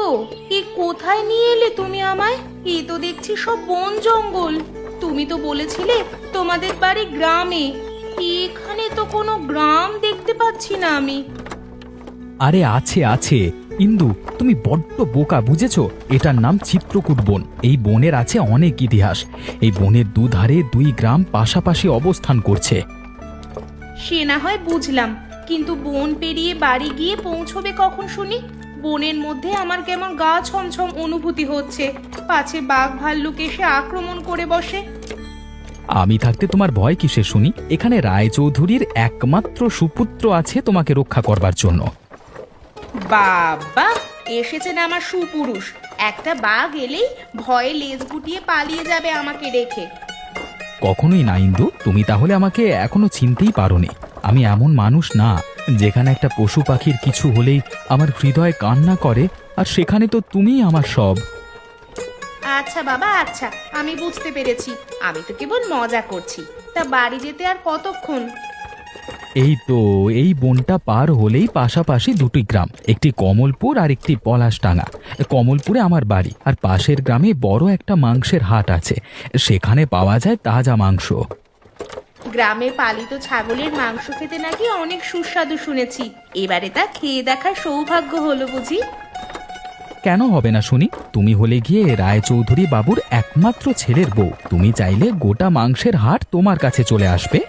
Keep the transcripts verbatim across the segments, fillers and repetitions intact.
এ কোথায় নিয়ে এলে তুমি আমায়? এ তো দেখছি সব বন জঙ্গল। তুমি তো বলেছিলে তোমাদের বাড়ি গ্রামে। এখানে তো কোনো গ্রাম দেখতে পাচ্ছি না আমি। আরে আছে আছে ইন্দু, তুমি বড্ড বোকা, বুঝেছো? এটার নাম চিত্রকূট বন। এই বনের আছে অনেক ইতিহাস। এই বনের দুধারে দুই গ্রাম পাশাপাশি অবস্থান করছে। সে না হয় বুঝলাম, কিন্তু বন পেরিয়ে বাড়ি গিয়ে পৌঁছবে কখন শুনি? বনের মধ্যে আমার কেমন গা ছমছম অনুভূতি হচ্ছে, পাছে বাঘ ভাল্লুক এসে আক্রমণ করে বসে। আমি থাকতে তোমার ভয় কিসে শুনি? এখানে রায়চৌধুরীর একমাত্র সুপুত্র আছে তোমাকে রক্ষা করবার জন্য। বাবা, এসেছেন আমার সুপুরুষ। একটা বাঘ এলেই ভয়ে লেজ গুটিয়ে পালিয়ে যাবে আমাকে রেখে। কখনোই না ইন্দু, তুমি তাহলে আমাকে এখনো চিনতেই পারোনি। আমি এমন মানুষ না যেখানে একটা পশু পাখির কিছু হলেই আমার হৃদয় কান্না করে, আর সেখানে তো তুমিই আমার সব। আচ্ছা বাবা, আচ্ছা, আমি বুঝতে পেরেছি। আমি তো কেবল মজা করছি। তা বাড়ি যেতে আর কতক্ষণ? এই তো, এই বনটা পার হলেই পাশাপাশি দুটি গ্রাম, একটি কমলপুর আর একটি পলাশডাঙ্গা। কমলপুরে আমার বাড়ি, আর পাশের গ্রামে বড় একটা মাংসের হাট আছে। সেখানে পাওয়া যায় তাজা মাংস। গ্রামে পালিত ছাগলের মাংস খেতে নাকি অনেক সুস্বাদু শুনেছি। এবারে তা খেয়ে দেখার সৌভাগ্য হলো বুঝি? কেন হবে না শুনি? তুমি হলে গিয়ে রায়চৌধুরী বাবুর একমাত্র ছেলের বউ। তুমি চাইলে গোটা মাংসের হাট তোমার কাছে চলে আসবে।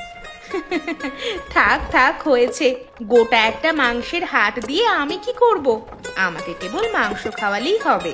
থাক থাক, হয়েছে। গোটা একটা মাংসের হাট দিয়ে আমি কি করব? আমাকে কেবল মাংস খাওয়ালেই হবে।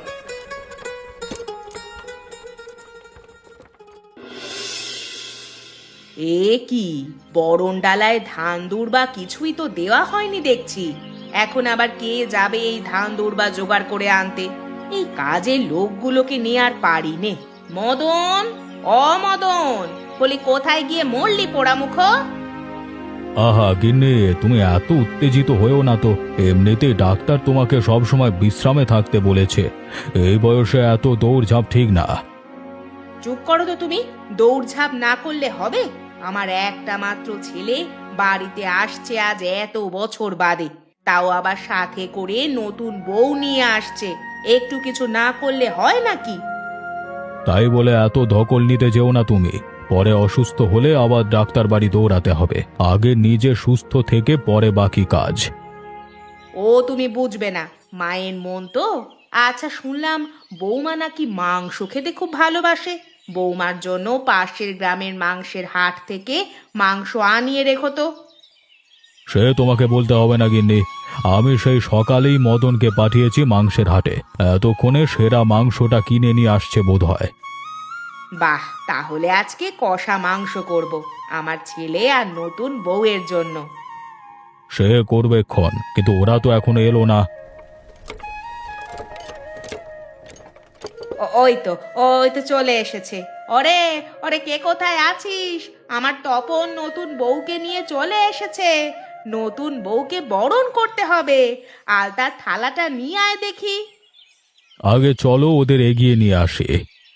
এ কি, বরণ ডালায় ধান দুর্বা কিছুই তো দেওয়া হয়নি দেখছি। এখন আবার কে যাবে এই ধান দুর্বা জোগাড় করে আনতে? এই কাজের লোকগুলোকে নিয়ে আর পারি নে। মদন, অ মদন, বলি কোথায় গিয়ে মরলি পোড়ামুখ? আহা গিন্নি, তুমি এত উত্তেজিত হয়েও না তো। এমনিতেই ডাক্তার তোমাকে সব সময় বিশ্রামে থাকতে বলেছে। এই বয়সে এত দৌড়ঝাঁপ ঠিক না। চুপ করো তো তুমি। দৌড়ঝাঁপ না করলে হবে? আমার একটা মাত্র ছেলে বাড়িতে আসছে আজ এত বছর বাদে, তাও আবার সাথে করে নতুন বউ নিয়ে আসছে। একটু কিছু না করলে হয় নাকি? তাই বলে এত ধকল নিতে যেও না তুমি। পরে অসুস্থ হলে আবার ডাক্তার বাড়ি দৌড়াতে হবে। আগে নিজে সুস্থ থেকে পরে বাকি কাজ। ও তুমি বুঝবে না, মায়ের মন তো। আচ্ছা, শুনলাম বৌমা নাকি মাংস খেতে খুব ভালোবাসে। বৌমার জন্য পাশের গ্রামের মাংসের হাট থেকে মাংস আনিয়ে রেখো তো। সে তোমাকে বলতে হবে না গিন্নি। আমি সেই সকালেই মদনকে পাঠিয়েছি মাংসের হাটে। এতক্ষণে সেরা মাংসটা কিনে নিয়ে আসছে বোধহয়। বাহ, তাহলে আজকে কষা মাংস করব আমার ছেলে আর নতুন বউয়ের জন্য। সে করবে ক্ষণ, কিন্তু ওরা তো এখনো এলো না। ও- ওই তো ওই তো চলে এসেছে। ওরে ওরে, কে কোথায় আছিস? আমার তপন নতুন বউকে নিয়ে চলে এসেছে। নতুন বউকে বরণ করতে হবে। আলতার থালাটা নিয়ে আয় দেখি। আগে চলো ওদের এগিয়ে নিয়ে আসি।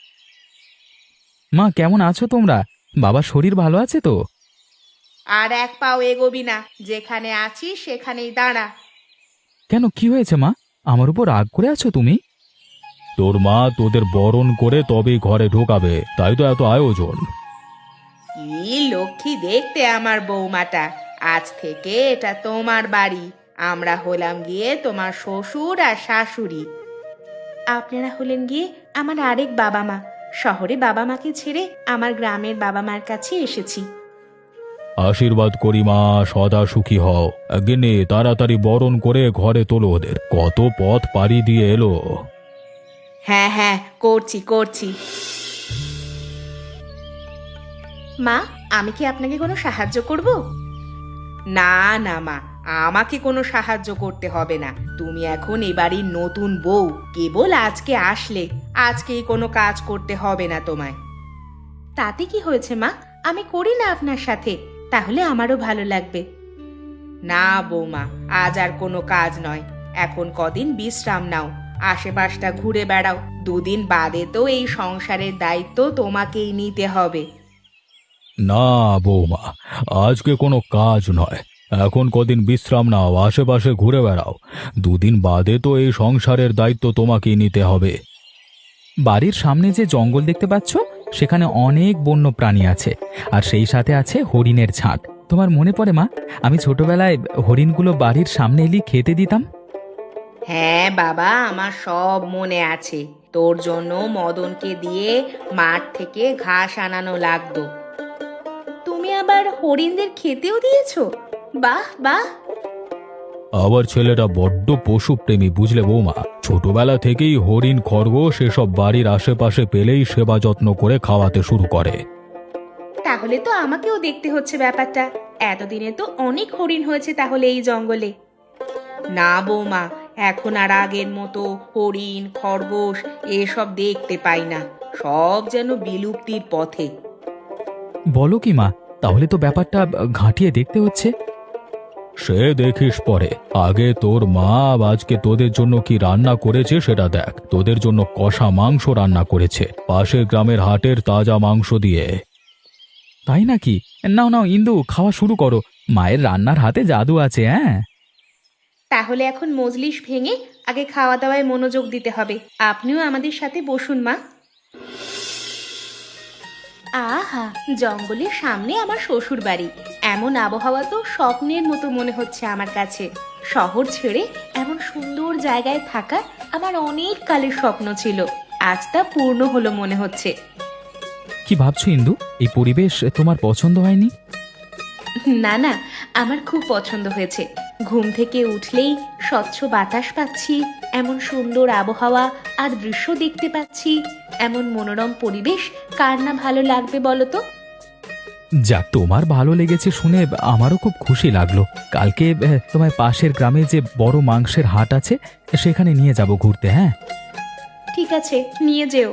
মা, কেমন আছো তোমরা? বাবার শরীর ভালো আছে তো? আর এক পাও এগোবি না। যেখানে আছিস সেখানেই দাঁড়া। কেন, কি হয়েছে মা? আমার উপর রাগ করে আছো তুমি? তোর মা তোদের বরণ করে তবেই ঘরে ঢোকাবে, তাই তো এত আয়োজন। কি লক্ষ্মী দেখতে আমার বৌমাটা। আজ থেকে এটা তোমার বাড়ি। আমরা হলাম গিয়ে তোমার শ্বশুর আর শাশুড়ি। আপনারা হলেন গিয়ে আমার আরেক বাবা মা। শহরে বাবা মাকে ছেড়ে আমার গ্রামের বাবা মার কাছে এসেছি। আশীর্বাদ করি মা, সদা সুখী হও। গিন্নি, তাড়াতাড়ি বরণ করে ঘরে তোলো ওদের। কত পথ পাড়ি দিয়ে এলো। হ্যাঁ হ্যাঁ, করছি করছি। মা, আমি কি আপনাকে কোনো সাহায্য করব? না না মা, আমাকে কোনো সাহায্য করতে হবে না। তুমি এখন এ বাড়ির নতুন বউ, কেবল আজকে আসলে। আজকেই কোনো কাজ করতে হবে না তোমায়। তাতে কি হয়েছে মা? আমি করি না আপনার সাথে, তাহলে আমারও ভালো লাগবে। না বৌমা, আজ আর কোনো কাজ নয়। এখন কদিন বিশ্রাম নাও, আশেপাশটা ঘুরে বেড়াও। দুদিন বাদে তো এই সংসারের দায়িত্ব তোমাকেই নিতে হবে। না বৌমা, আজকে কোনো কাজ নয়। এখন কদিন বিশ্রাম নাও, আশেপাশে ঘুরে বেড়াও। দুদিন বাদে তো এই সংসারের দায়িত্ব তোমাকেই নিতে হবে। বাড়ির সামনে যে জঙ্গল দেখতে পাচ্ছ, সেখানে অনেক বন্য প্রাণী আছে, আর সেই সাথে আছে হরিণের ঝাঁক। তোমার মনে পড়ে মা, আমি ছোটবেলায় হরিণগুলো বাড়ির সামনে এলি খেতে দিতাম? হ্যাঁ বাবা, আমার সব মনে আছে। তোর জন্য মদনকে দিয়ে মাঠ থেকে ঘাস আনানো লাগতো। তুমি আবার হরিণদের খেতেও দিয়েছো? বাহ বাহ। আবার ছেলেটা বড্ড পশুপ্রেমী, বুঝলে বৌমা। ছোটবেলা থেকেই হরিণ, খরগোশ এসব বাড়ির আশেপাশে পেলেই সেবা যত্ন করে খাওয়াতে শুরু করে। তাহলে তো আমাকেও দেখতে হচ্ছে ব্যাপারটা। এতদিনে তো অনেক হরিণ হয়েছে তাহলে এই জঙ্গলে। না বৌমা, এখন আর আগের মতো হরিণ, খরগোশ এসব দেখতে পাই না। সব যেন বিলুপ্তির পথে। বলো কি মা, তাহলে তো ব্যাপারটা ঘাঁটিয়ে দেখতে হচ্ছে। সে দেখিস পরে, আগে তোর মা আজকে তোদের জন্য কি রান্না করেছে সেটা দেখ। তোদের জন্য কষা মাংস রান্না করেছে, পাশের গ্রামের হাটের তাজা মাংস দিয়ে। তাই নাকি? নাও নাও ইন্দু, খাওয়া শুরু করো। মায়ের রান্নার হাতে জাদু আছে। হ্যাঁ, তাহলে এখন মজলিস ভেঙে আগে খাওয়া দাওয়ায় মনোযোগ দিতে হবে। আপনিও আমাদের সাথে বসুন মা। আহা, জঙ্গলের সামনে আমার শ্বশুর বাড়ি। এমন আবহাওয়া তো স্বপ্নের মতো মনে হচ্ছে আমার কাছে। শহর ছেড়ে এমন সুন্দর জায়গায় থাকা আমার অনেক কালের স্বপ্ন ছিল। আজ তা পূর্ণ হলো মনে হচ্ছে। কি ভাবছো ইন্দু? এই পরিবেশ তোমার পছন্দ হয়নি? না না, আমার খুব পছন্দ হয়েছে। ঘুম থেকে উঠলেই স্বচ্ছ বাতাস পাচ্ছি, এমন সুন্দর আবহাওয়া আর দৃশ্য দেখতে পাচ্ছি। এমন মনোরম পরিবেশ কার না ভালো লাগবে বলো তো? যাক, তোমার ভালো লেগেছে শুনে আমারও খুব খুশি লাগলো। কালকে আহ, তোমার পাশের গ্রামে যে বড় মাংসের হাট আছে, সেখানে নিয়ে যাব ঘুরতে। হ্যাঁ, ঠিক আছে, নিয়ে যেও।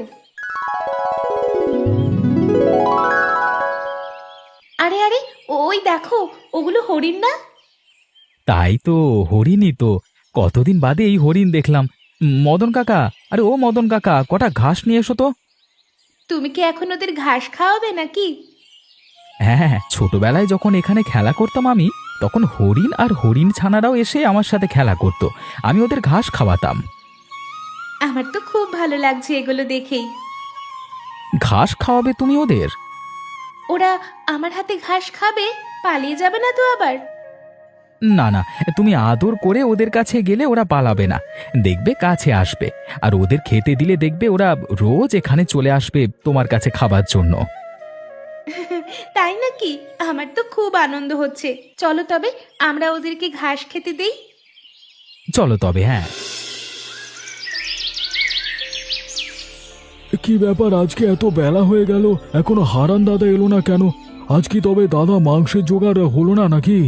আরে আরে, ওই দেখো, ওগুলো হরিণ না? তাই তো, হরিণই তো। কতদিন বাদে এই হরিণ দেখলাম। মদন কাকা, আরে ও মদন কাকা, কটা ঘাস নিয়ে এসো তো। তুমি কি এখন ওদের ঘাস খাওয়াবে নাকি? হ্যাঁ হ্যাঁ, ছোটবেলায় যখন এখানে খেলা করতাম আমি, তখন হরিণ আর হরিণ ছানারাও এসে আমার সাথে খেলা করত। আমি ওদের ঘাস খাওয়াতাম। আমার তো খুব ভালো লাগছে এগুলো দেখেই। ঘাস খাওয়াবে তুমি ওদের? ওরা আমার হাতে ঘাস খাবে? পালিয়ে যাবে না তো আবার? না না, তুমি আদর করে ওদের কাছে গেলে ওরা পালাবে না, দেখবে কাছে আসবে। আর ওদের খেতে দিলে দেখবে ওরা রোজ এখানে চলে আসবে তোমার কাছে খাবার জন্য। তাই নাকি? আমার তো খুব আনন্দ হচ্ছে। চলো তবে আমরা ওদেরকে ঘাস খেতে দেই। চলো তবে। হ্যাঁ, কি ব্যাপার, আজকে এত বেলা হয়ে গেল, এখনো হারান দাদা এলো না কেন? আজ কি তবে দাদা মাংসের জোগাড় হলো না নাকি?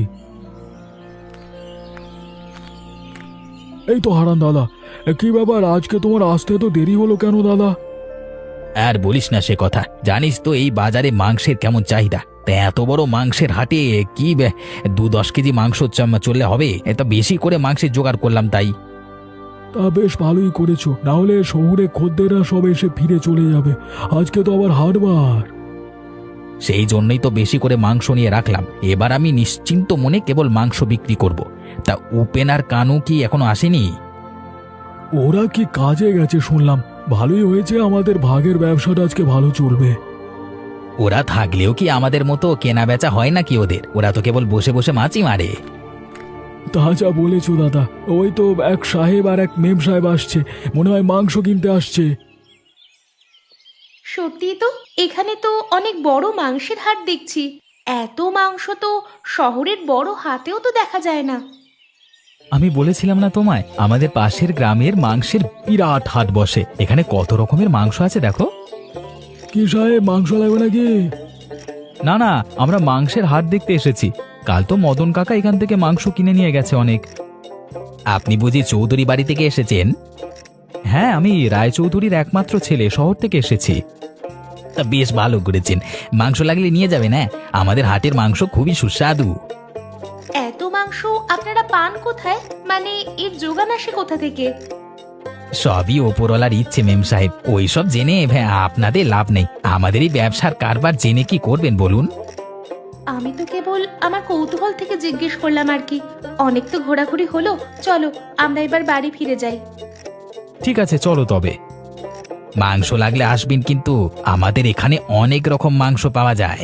এই তো হারান দাদা, কি ব্যাপার, আজকে তোমার আসতে তো দেরি হলো কেন দাদা? আর বলিস না সে কথা। জানিস তো এই বাজারে মাংসের কেমন চাহিদা। তা এত বড় মাংসের হাটে কি বে, দু দশ কেজি মাংস চাম- চললে হবে? এটা বেশি করে মাংসের জোগাড় করলাম তাই। তা বেশ ভালোই করেছো, না হলে শহুরে খদ্দেররা সব এসে ফিরে চলে যাবে। আজকে তো আবার হাটবার। সেই জন্যই তো বেশি করে মাংস নিয়ে রাখলাম। এবার আমি নিশ্চিন্ত মনে কেবল মাংস বিক্রি করব। তা উপেন আর কানু কি এখনো আসেনি? ওরা কি কাজে গেছে শুনলাম। ভালোই হয়েছে, আমাদের ভাগের ব্যবসাটা আজকে ভালো চলবে। ওরা থাকলেও কি আমাদের মতো কেনা বেচা হয় নাকি ওদের? ওরা তো কেবল বসে বসে মাছই মারে। তা যা বলেছো দাদা, ওই তো এক সাহেব আর এক মেম সাহেব আসছে, মনে হয় মাংস কিনতে আসছে। সত্যি তো, এখানে তো অনেক বড় মাংসের হাট দেখছি। এত মাংস তো শহরের বড় হাটেও তো দেখা যায় না। আমি বলেছিলাম না তোমায়, আমাদের পাশের গ্রামের মাংসের বিরাট হাট বসে। এখানে কত রকমের মাংস আছে দেখো। কি সাহেব, মাংস লাগবে নাকি? না না, আমরা মাংসের হাট দেখতে এসেছি। কাল তো মদন কাকা এখান থেকে মাংস কিনে নিয়ে গেছে অনেক। আপনি বুঝি চৌধুরী বাড়ি থেকে এসেছেন? হ্যাঁ, আমি রায়চৌধুরীর একমাত্র ছেলে, শহর থেকে এসেছি। তা বেশ ভালো করেছেন। মাংস লাগলে নিয়ে যাবেন। হ্যাঁ, আমাদের হাটের মাংস খুবই সুস্বাদু। এত মাংস আপনারা পান কোথায়? মানে এর যোগান আসে কোথা থেকে? সবই ওপরওয়ালার ইচ্ছে মেম সাহেব। ওইসব জেনে ভ্যা, আপনাদের লাভ নেই। আমাদের এই ব্যবসার কারবার জেনে কি করবেন বলুন? আমি তো কেবল আমার কৌতূহল থেকে জিজ্ঞেস করলাম আর কি। অনেক তো ঘোরাঘুরি হলো, চলো আমরা এবার বাড়ি ফিরে যাই। ঠিক আছে চলো তবে। মাংস লাগলে আসবেন কিন্তু, আমাদের এখানে অনেক রকম মাংস পাওয়া যায়।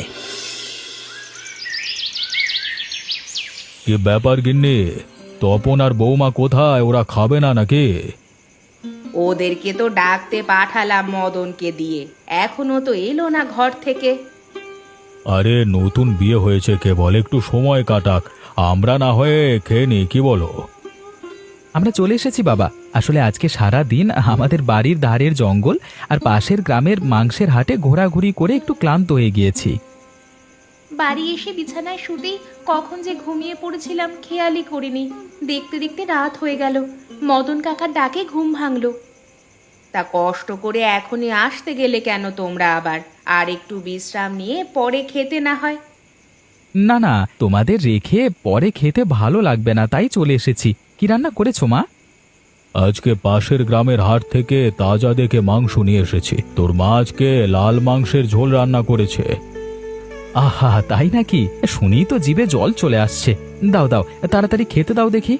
কি ব্যাপার গিন্নি, তপন আর বৌমা কোথায়? ওরা খাবে না নাকি? ওদেরকে তো ডাকতে পাঠালাম মদনকে দিয়ে, এখনো তো এলো না ঘর থেকে। আরে নতুন বিয়ে হয়েছে, কেবল একটু সময় কাটাক, আমরা না হয়ে খেয়ে নি, কি বলো? আমরা চলে এসেছি বাবা। আসলে আজকে সারা দিন আমাদের বাড়ির ধারের জঙ্গল আর পাশের গ্রামের মাংসের হাটে ঘোরাঘুরি করে একটু ক্লান্ত হয়ে গিয়েছি। বাড়ি এসে বিছানায় শুতেই কখন যে ঘুমিয়ে পড়েছিলাম খেয়ালই করিনি। দেখতে দেখতে রাত হয়ে গেল, মদন কাকার ডাকে ঘুম ভাঙলো। তা কষ্ট করে এখনই আসতে গেলে কেন তোমরা আবার? আর একটু বিশ্রাম নিয়ে পরে খেতে না হয়? না না, তোমাদের রেখে পরে খেতে ভালো লাগবে না, তাই চলে এসেছি। কি রান্না করেছো মা? আজকে পাশের গ্রামের হাট থেকে তাজা দেখে মাংস নিয়ে এসেছি। তোর মা আজকে লাল মাংসের ঝোল রান্না করেছে। আহা, তাই নাকি? শুনেই তো জিভে জল চলে আসছে। দাও দাও, তাড়াতাড়ি খেতে দাও দেখি।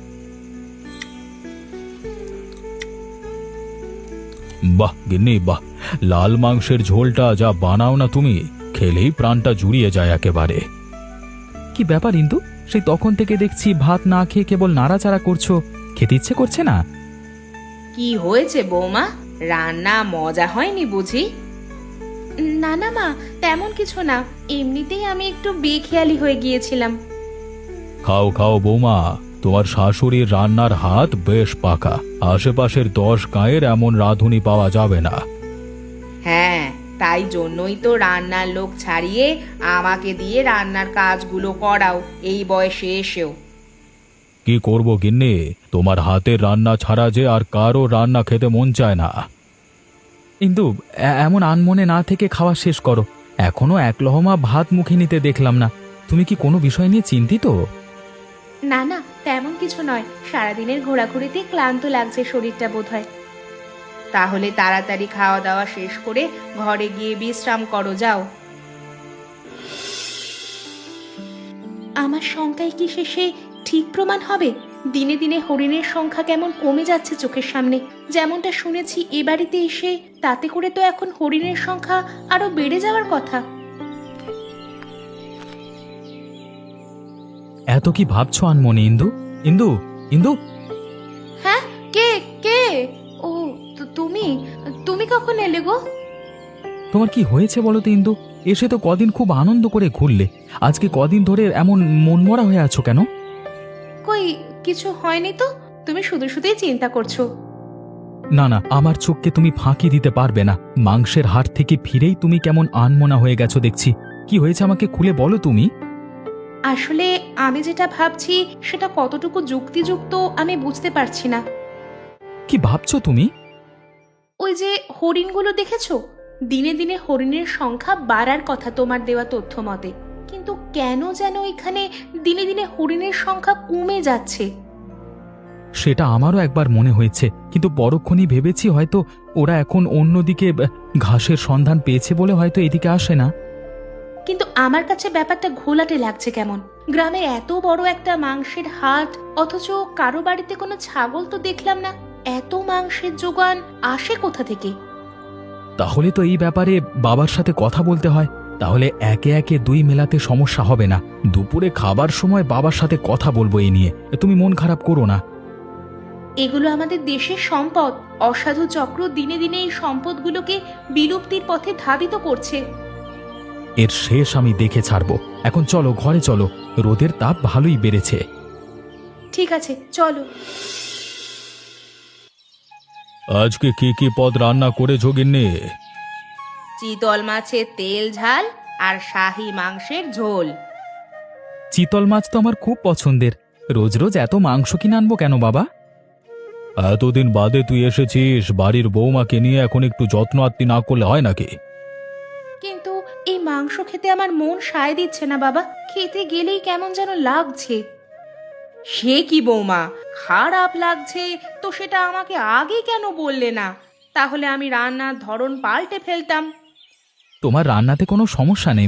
বাহ গিন্নি বাহ, লাল মাংসের ঝোলটা যা বানাও না তুমি, খেলেই প্রাণটা জুড়িয়ে যায় একেবারে। কি ব্যাপার ইন্দু, সেই তখন থেকে দেখছি ভাত না খেয়ে কেবল নাড়াচাড়া করছো, খেতে ইচ্ছে করছে না? কি হয়েছে বৌমা, রান্না মজা হয়নি বুঝি? না না মা, তেমন কিছু না, এমনিতেই আমি একটু বেখেয়ালি হয়ে গিয়েছিলাম। খাও খাও বৌমা, তোমার শাশুড়ির রান্নার হাত বেশ পাকা, আশেপাশের দশ গাঁয়ের এমন রাঁধুনি পাওয়া যাবে না। হ্যাঁ, তাই জন্যই তো রান্নার লোক ছাড়িয়ে আমাকে দিয়ে রান্নার কাজগুলো করাও এই বয়সে এসেও। কি করব গিন্নি, তোমার হাতের রান্না ছাড়া যে আর কারো রান্না খেতে মন চায় না। ইন্দু, এ- এমন আনমনে না থেকে খাওয়া শেষ করো। এখনো এক লহমা ভাত মুখে নিতে দেখলাম না। তুমি কি কোনো বিষয় নিয়ে চিন্তিত? না না, তেমন কিছু নয়, সারাদিনের ঘোরাঘুরিতে ক্লান্ত লাগছে শরীরটা বোধহয়। তাহলে তাড়াতাড়ি খাওয়া দাওয়া শেষ করে ঘরে গিয়ে বিশ্রাম করো, যাও। আমার শঙ্কায় কি শেষে ঠিক প্রমাণ হবে? দিনে দিনে হরিণের সংখ্যা কেমন কমে যাচ্ছে চোখের সামনে। যেমনটা শুনেছি এ বাড়িতে এসে, তাতে করে তো এখন হরিণের সংখ্যা আরো বেড়ে যাওয়ার কথা। এত কি ভাবছো আনমনে ইন্দু? ইন্দু, ইন্দু, হ্যাঁ, কে কে? ও, তু- তুমি তুমি কখন এলে গো? তোমার কি হয়েছে বলো তো ইন্দু? এসে তো কদিন খুব আনন্দ করে ঘুরলে, আজকে কদিন ধরে এমন মনমরা হয়ে আছো কেন? কই, কিছু হয়নি তো, তুমি শুধু শুধুই চিন্তা করছো। না না, আমার চোখকে তুমি ফাঁকি দিতে পারবে না। মাংসের হাট থেকে ফিরেই তুমি কেমন আনমনা হয়ে গেছো দেখছি। কি হয়েছে আমাকে খুলে বলো তুমি। আসলে আমি যেটা ভাবছি সেটা কতটুকু যুক্তিযুক্ত আমি বুঝতে পারছি না। কি ভাবছো তুমি? ওই যে হরিণগুলো দেখেছো, দিনে দিনে হরিণের সংখ্যা বাড়ার কথা তোমার দেওয়া তথ্য মতে, কিন্তু কেন যেন এখানে দিনে দিনে হরিণের সংখ্যা কমে যাচ্ছে। সেটা আমারও একবার মনে হয়েছে, কিন্তু পরক্ষণই ভেবেছি হয়তো ওরা এখন অন্যদিকে আহ, ঘাসের সন্ধান পেয়েছে বলে হয়তো এদিকে আসে না। কিন্তু আমার কাছে ব্যাপারটা ঘোলাটে লাগছে কেমন। গ্রামে এত বড় একটা মাংসের হাট, অথচ কারো বাড়িতে কোনো ছাগল তো দেখলাম না। এত মাংসের জোগান আসে কোথা থেকে? তাহলে তো এই ব্যাপারে বাবার সাথে কথা বলতে হয়। তাহলে একে একে দুই মেলাতে সমস্যা হবে না। দুপুরে খাবার সময় বাবার সাথে কথা বলবো এই নিয়ে, তুমি মন খারাপ করো না। এগুলো আমাদের দেশের সম্পদ। অসাধু চক্র দিনে দিনে এই সম্পদগুলোকে বিলুপ্তির পথে ধাবিত করছে। এর শেষ আমি দেখে ছাড়বো। এখন চলো ঘরে চলো, রোদের তাপ ভালোই বেড়েছে। ঠিক আছে, চলো। আজকে কি কি পদ রান্না করেছো গিন্নি? চিতল মাছের তেল ঝাল আর শাহী মাংসের ঝোল। চিতল মাছ তো আমার খুব পছন্দের। রোজ রোজ এত মাংস কিনে আনবো কেন বাবা? এতদিন বাদে তুই এসেছিস, বাড়ির বৌমাকে নিয়ে এখন একটু যত্ন আত্তি না করলে হয় নাকি? কিন্তু এই মাংস খেতে আমার মন সায় দিচ্ছে না বাবা। খেতে গেলেই কেমন যেন লাগছে। সে কি বৌমা, খারাপ লাগছে তো সেটা আমাকে আগে কেন বললে না? তাহলে আমি রান্নার ধরন পাল্টে ফেলতাম। তোমার রান্নাতে কোনো সমস্যা নেই মা,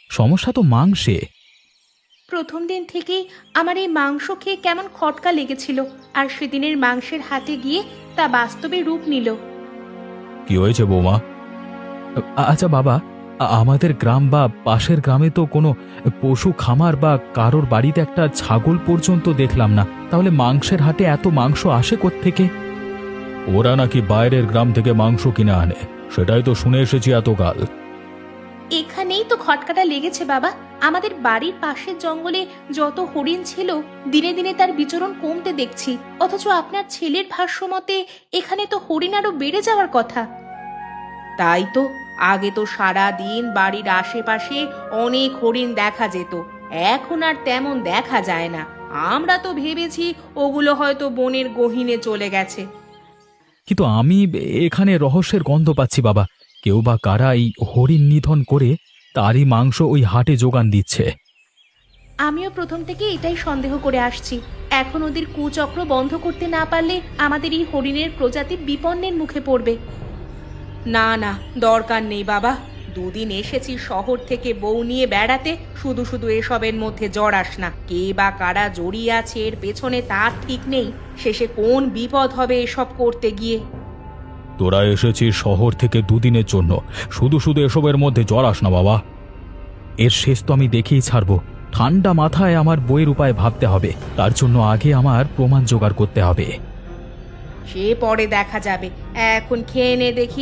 সমস্যা তো মাংসে। প্রথম দিন থেকেই আমার এই মাংস খেয়ে কেমন খটকা লেগেছিল, আর সেদিনের মাংসের হাটে গিয়ে তা বাস্তবে রূপ নিল। কি হয়েছে বৌমা? আ- আচ্ছা বাবা, আ- আমাদের গ্রাম বা পাশের গ্রামে তো কোনো পশু খামার বা কারোর বাড়িতে একটা ছাগল পর্যন্ত দেখলাম না, তাহলে মাংসের হাটে এত মাংস আসে কোত্থেকে? ওরা নাকি বাইরের গ্রাম থেকে মাংস কিনে আনে, সেটাই তো শুনে এসেছি এতকাল। এখানেই তো খটকাটা লেগেছে বাবা। আমাদের বাড়ির পাশের জঙ্গলে যত হরিণ ছিল, দিনে দিনে তার বিচরণ কমতে দেখছি, অথচ আপনার ছেলের ভাষ্য মতে এখানে তো হরিণ আরো বেড়ে যাওয়ার কথা। তাই তো, আগে তো সারা দিন বাড়ির আশেপাশে অনেক হরিণ দেখা যেত, এখন আর তেমন দেখা যায় না। আমরা তো ভেবেছি ওগুলো হয়তো বনের গহীনে চলে গেছে। কিন্তু আমি এখানে রহস্যের গন্ধ পাচ্ছি বাবা। কেউ বা কারা এই হরিণ নিধন করে তারই মাংস ওই হাটে যোগান দিচ্ছে। আমিও প্রথম থেকে এটাই সন্দেহ করে আসছি। এখন ওদের কুচক্র বন্ধ করতে না পারলে আমাদের এই হরিণের প্রজাতি বিপন্নের মুখে পড়বে। না না, দরকার নেই বাবা। দুদিন এসেছি শহর থেকে বউ নিয়ে বেড়াতে, শুধু শুধু এসবের মধ্যে জড়াস না। কে বা কারা জড়িয়ে আছে এর পেছনে তার ঠিক নেই, শেষে কোন বিপদ হবে এসব করতে গিয়ে। তোরা এসেছিস শহর থেকে দুদিনের জন্য, শুধু শুধু এসবের মধ্যে জড়াস না বাবা। এর শেষ তো আমি দেখেই ছাড়ব। ঠান্ডা মাথায় আমার বইয়ের উপায় ভাবতে হবে, তার জন্য আগে আমার প্রমাণ জোগাড় করতে হবে। সে পরে দেখা যাবে, এখন খেয়ে নে দেখি।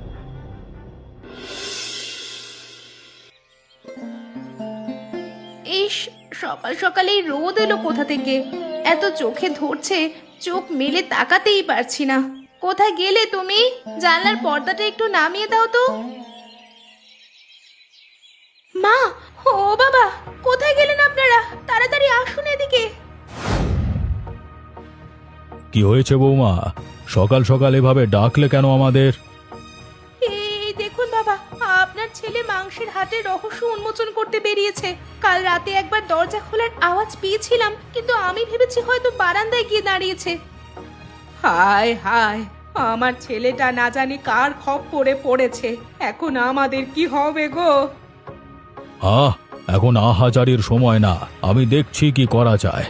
ইস, সকাল সকালেই রোদ এলো কোথা থেকে? এত চোখে ধরছে, চোখ মেলে তাকাতেই পারছি না। কোথায় গেলে তুমি? জানলার পর্দাটা একটু নামিয়ে দাও তো। মা, ও বাবা, কোথায় গেলেন আপনারা? তাড়াতাড়ি আসুন এদিকে। কি হয়েছে বৌমা? সকাল সকাল এভাবে ডাকলে কেন আমাদের? এই দেখুন বাবা, আপনার ছেলে মাংসের হাটে রহস্য উন্মোচন করতে বেরিয়েছে। কাল রাতে একবার দরজা খোলার আওয়াজ পেয়েছিলাম, কিন্তু আমি ভেবেছি হয়তো বারান্দায় গিয়ে দাঁড়িয়েছে। হায় হায়, আমার ছেলেটা না জানি কার খপ্পরে পড়েছে। এখন আমাদের কি হবে গো? আহ, এখন আহাজারির সময় না, আমি দেখছি কি করা যায়।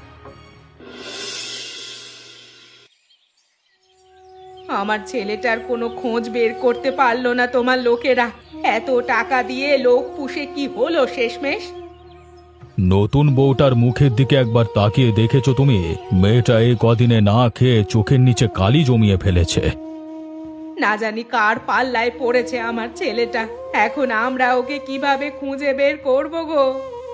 আমার ছেলেটার কোনো খোঁজ বের করতে পারলো না তোমার লোকেরা? এত টাকা দিয়ে লোক পুষে কি হলো শেষমেশ? নতুন বউটার মুখের দিকে একবার তাকিয়ে দেখেছো তুমি? মেয়েটা এই কদিনে না খেয়ে চোখের নিচে কালি জমিয়ে ফেলেছে। না জানি কার পাল্লায় পড়েছে আমার ছেলেটা। এখন আমরা ওকে কিভাবে খুঁজে বের করব গো?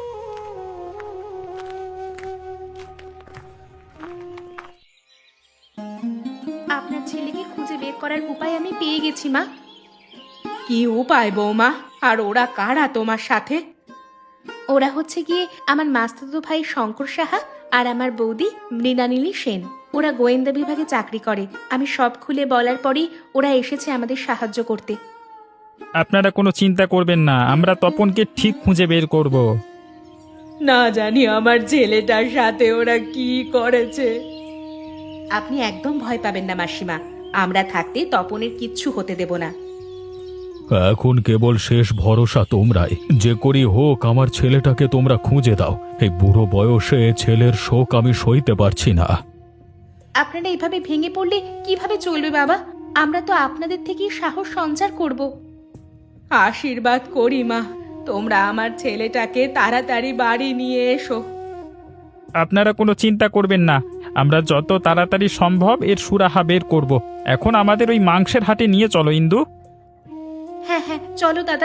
আপনার ছেলেকে খুঁজে বের করার উপায় আমি পেয়ে গেছি মা। কি উপায় বৌমা? আর ওরা কারা তোমার সাথে? ওরা হচ্ছে গিয়ে আমার মাস্তুতো ভাই শঙ্কর সাহা আর আমার বৌদি মৃণালিনী সেন। ওরা গোয়েন্দা বিভাগে চাকরি করে। আমি সব খুলে বলার পরেই ওরা এসেছে আমাদের সাহায্য করতে। আপনারা কোনো চিন্তা করবেন না, আমরা তপনকে ঠিক খুঁজে বের করব। না জানি আমার ছেলেটার সাথে ওরা কি করেছে। আপনি একদম ভয় পাবেন না মাসিমা, আমরা থাকতে তপনের কিচ্ছু হতে দেব না। এখন কেবল শেষ ভরসা তোমরাই। যে করি হোক আমার ছেলেটাকে তোমরা খুঁজে দাও। এই বুড়ো বয়সে ছেলের শোক আমি সইতে পারছি না। আপনারা এইভাবে ভেঙে পড়লে কিভাবে চলবে বাবা? আমরা তো আপনাদের থেকেই সাহস সঞ্চার করব। আশীর্বাদ করি মা, তোমরা আমার ছেলেটাকে তাড়াতাড়ি বাড়ি নিয়ে এসো। আপনারা কোনো চিন্তা করবেন না, আমরা যত তাড়াতাড়ি সম্ভব এর সুরাহা বের করব। এখন আমাদের ওই মাংসের হাটে নিয়ে চলো ইন্দু। হ্যাঁ হ্যাঁ, চলো দাদা।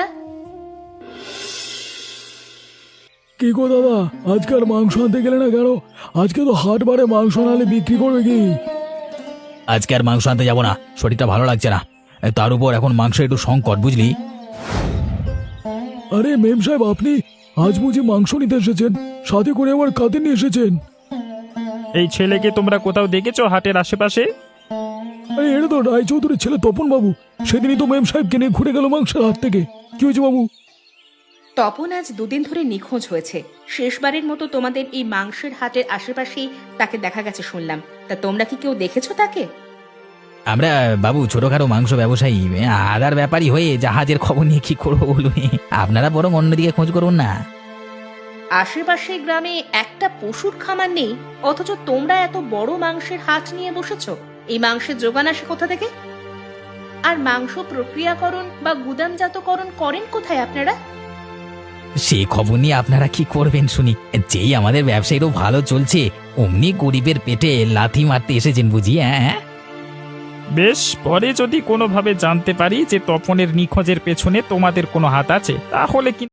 কি গো দাদা, আজকে আর মাংস আনতে গেলে না কেন? আজকে তো হাট বারে মাংস নালে বিক্রি করবে কি? আজকে আর মাংস আনতে যাব না, শরীরটা ভালো লাগছে না। তার উপর এখন মাংস একটু সংকট, বুঝলি? আরে মেম সাহেব, আপনি আজ বুঝি মাংস নিতে এসেছেন? সাথে করে আবার কাঁদে নিয়ে এসেছেন? এই ছেলেকে তোমরা কোথাও দেখেছো হাটের আশেপাশে? আরে এটা তো রায়চৌধুরীর ছেলে তপন বাবু। সেদিনই তো মেম সাহেবকে নিয়ে ঘুরে গেল মাংসের হাট থেকে। কি হয়েছে বাবু? তপন আজ দুদিন ধরে নিখোঁজ হয়েছে। শেষবারের মতো তোমাদের এই মাংসের হাটের আশেপাশেই তাকে দেখা গেছে শুনলাম। তা তোমরা কি কেউ দেখেছো তাকে? আমরা বাবু ছোটখাটো মাংস ব্যবসায়ী আদার ব্যাপারী হয়ে জাহাজের খবর নিয়ে কি করবো বলুন, আপনারা বরং অন্যদিকে খোঁজ করুন না। আশেপাশের গ্রামে একটা পশুর খামার নেই, অথচ তোমরা এত বড় মাংসের হাট নিয়ে বসেছো। এই মাংসের যোগান আসে কোথা থেকে? আর মাংস প্রক্রিয়াকরণ বা গুদামজাতকরণ করেন কোথায় আপনারা? সে খবর নিয়ে আপনারা কি করবেন শুনি, যেই আমাদের ব্যবসায়ীরও ভালো চলছে অমনি গরিবের পেটে লাথি মারতে এসেছেন বুঝি। হ্যাঁ, বেশ, পরে যদি কোনোভাবে জানতে পারি যে তপনের নিখোঁজের পেছনে তোমাদের কোনো হাত আছে তাহলে কিন্তু